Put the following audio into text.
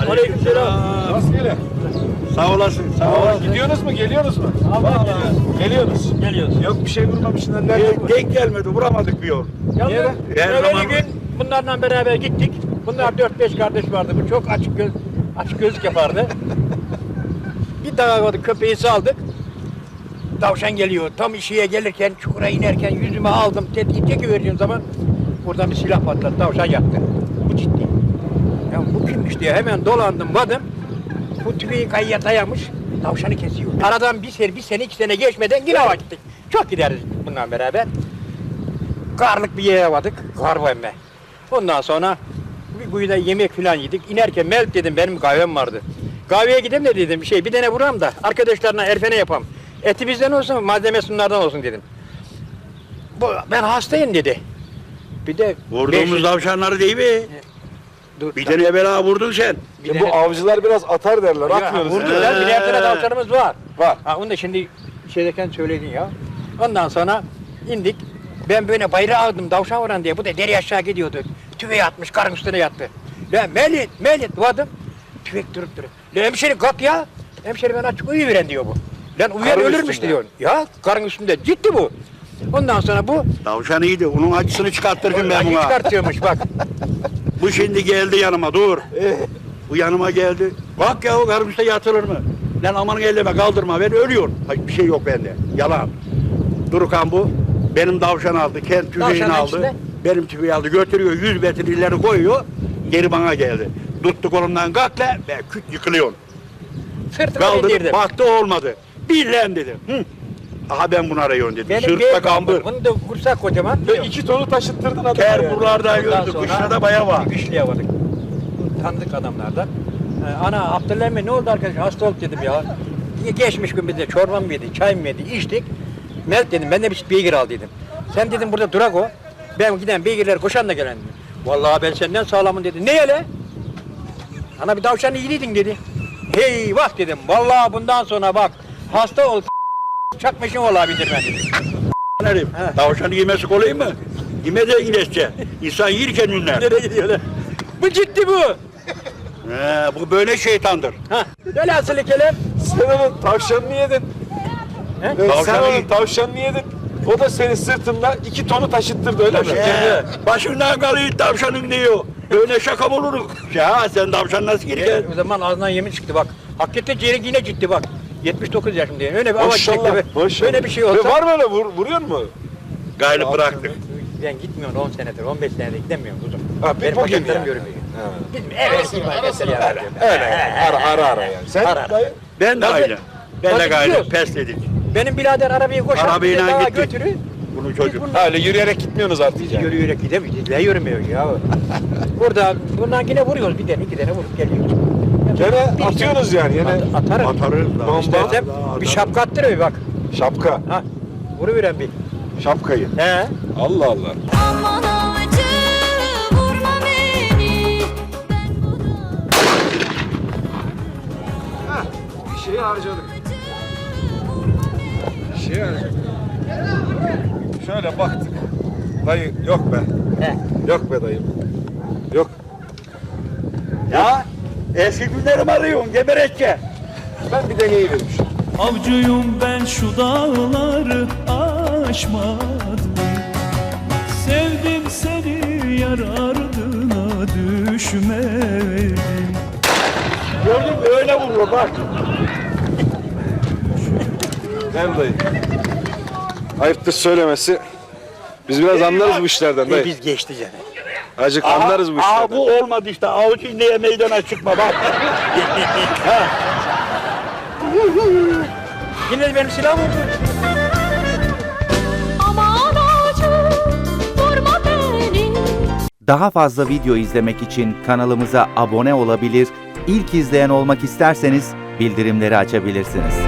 Aleykümselam. Rastgele. Sağ olasın. Sağ olasın. Gidiyorsunuz mu? Geliyorsunuz mu? Geliyoruz. Geliyoruz. Yok bir şey vurmamışsın. Nerede? Denk gelmedi. Vuramadık bir yol. Niye lan? Evveli gün bunlarla beraber gittik. Bunlar 4-5 kardeş vardı. Bu çok açık gözlük yapardı. Bir dağa vardı, köpeği saldık. Tavşan geliyor. Tam işiye gelirken, çukura inerken yüzüme aldım. Tetiği çekiverdiğim zaman buradan bir silah patladı. Tavşan yaktı. Bu ciddi. Ya bu kimmiş diye hemen dolandım, vadım. Bu tüfeği kayıya dayamış. Tavşanı kesiyor. Aradan bir sene, 2 sene geçmeden yine hava gittik. Çok gideriz bundan beraber. Karlık bir yere vardık. Kar var emme. Ondan sonra bir kuyuda yemek falan yedik. İnerken Melk dedim, benim kahvem vardı. Kahveye gideyim de dedim, bir tane vuram da arkadaşlarına erfene yapam. Eti bizden olsun, malzemesi bunlardan olsun dedim. Ben hastayım dedi. Bir de Vurduğumuz tavşanları değil mi? Dur, Bir tane evvela vurdun sen. bir Bu tane- avcılar biraz atar derler. Atmıyoruz. Vurdular, bir tane tavşanımız var. Var. Ha, onu da şimdi şeydeyken söyledin ya. Ondan sonra indik. Ben böyle bayrağı aldım tavşan vuran diye. Bu da deri aşağı gidiyordu. Tüfeği atmış, karın üstüne yattı. Lan Melit vadım. Tüfek durup. Lan hemşeri kalk ya. Hemşeri ben açık uyuyuveren diyor bu. Lan uyuyan Karın ölürmüş üstünde. diyor. Ya karın üstünde ciddi bu. Ondan sonra bu Tavşan iyiydi. Onun acısını çıkarttırdım ben acı buna. çıkartıyormuş bak. Bu şimdi geldi yanıma. Dur. Bu yanıma geldi. Bak ya o karım üstte yatılır mı? Lan aman elleme kaldırma. Ben ölüyorum. Hayır, bir şey yok bende. Yalan. Durukan bu. Benim tavşan aldı. Kendi tüfeğini Tavşanın aldı. içinde? Benim tüfeği aldı. Götürüyor. 100 metre ileri koyuyor. Geri bana geldi. Tuttu kolumdan kalk la. Ve küt yıkılıyorsun. Sırtıma Kaldırıp indirdim. baktı olmadı. Bir lan dedim. Hı. Aha ben bunu arıyorum dedim. Benim Sırtta bir kambur. Bunu da kursak kocaman. Ve 2 tonu taşıttırdın adamı. Ter buralardan Ondan gördü. sonra Kışla da baya var. bir güçlüye vardık. Tanıdık adamlardan. Ana Abdülhamid Bey ne oldu arkadaş? Hasta olduk dedim ya. Geçmiş gün bize çorba mı yedi, çay mı yedi, içtik. Melk dedim, ben de bir beygir al dedim. Sen dedim burada durak o. Ben giden beygirler koşan da gelen dedim. Vallahi ben senden sağlamım dedi. Ne hele? Ana bir tavşan iyiliydin dedi. Hey bak dedim. Vallahi bundan sonra bak hasta ol çakmışın ola bindirme dedim. Nerim? He. Tavşanı yemesi kolay mı? Yeme de iyileşçe. İnsan yerken ünler. Nereye gidiyorlar? Bu ciddi bu. Bu böyle şeytandır. Ha. Velhasıl kelam. Sen onun tavşanını yedin. He? Sen Tavşanı onun yedin. tavşanını yedin. O da senin sırtında 2 tonu taşıttırdı öyle mi? Başından kalıyor tavşanın diyor. Böyle şaka mı olur? Ya sen tavşan nasıl girken? O zaman ağzından yemin çıktı bak. Hakikaten Cerenk yine ciddi bak. 79 yaşındayım. Öyle bir avaç çekti. Maşallah. Böyle bir şey Ve olsa. var mı öyle vuruyor mu? Gayrı bıraktık. Ben gitmiyorum 10 senedir, 15 senedir gidemiyorum kuzum. Ha, bir Benim bugün bacaklarım yani. görünmüyor. Ha. Evet, mesela. Öyle yani. Ara yani. Sen Ara. dayı? Ben de Tabii. aynı. Ben de Tabii gayrı gidiyoruz. pesledik. Benim birader arabayı koşar, Arabayla bizi dağa gittik. götürür. Bunu çocuk. Biz Ha, öyle yürüyerek gitmiyorsunuz artık Biz yani. yürüyerek gidemeyiz. Ne yürümüyor ya? Burada, bundan yine vuruyoruz bir tane, 2 tane vurup geliyoruz. Gene atıyorsunuz yani. Yine Atarım. Atarız da. Bomba. İstersem bir şapka attırıyor bak. şapka. Ha, vuruveren bir. Şapkayı. He. Allah Allah. Aman avcı vurma beni. Ben bu da Bir şeyi harcadık. Bir şeyi harcadık. Şöyle baktık. Dayı yok be. He. Yok be dayım. Yok. Ya eski günlerimi arıyorsun geberekçe. Ben bir deneyivermiş. Avcıyım ben şu dağları aşmadım. Sevdim seni yar ardına düşmedim. Gördün mü öyle vuruyor bak. Değil mi dayı? Ayıptır söylemesi. Biz biraz anlarız bu işlerden dayı. Biz geçti canım. Azıcık anlarız bu Aha işlerden. bu olmadı işte. Avuç inleye meydana çıkma bak. Yine de benim silahım oldu. aman avcı vurma beni. Daha fazla video izlemek için kanalımıza abone olabilir, ilk izleyen olmak isterseniz bildirimleri açabilirsiniz.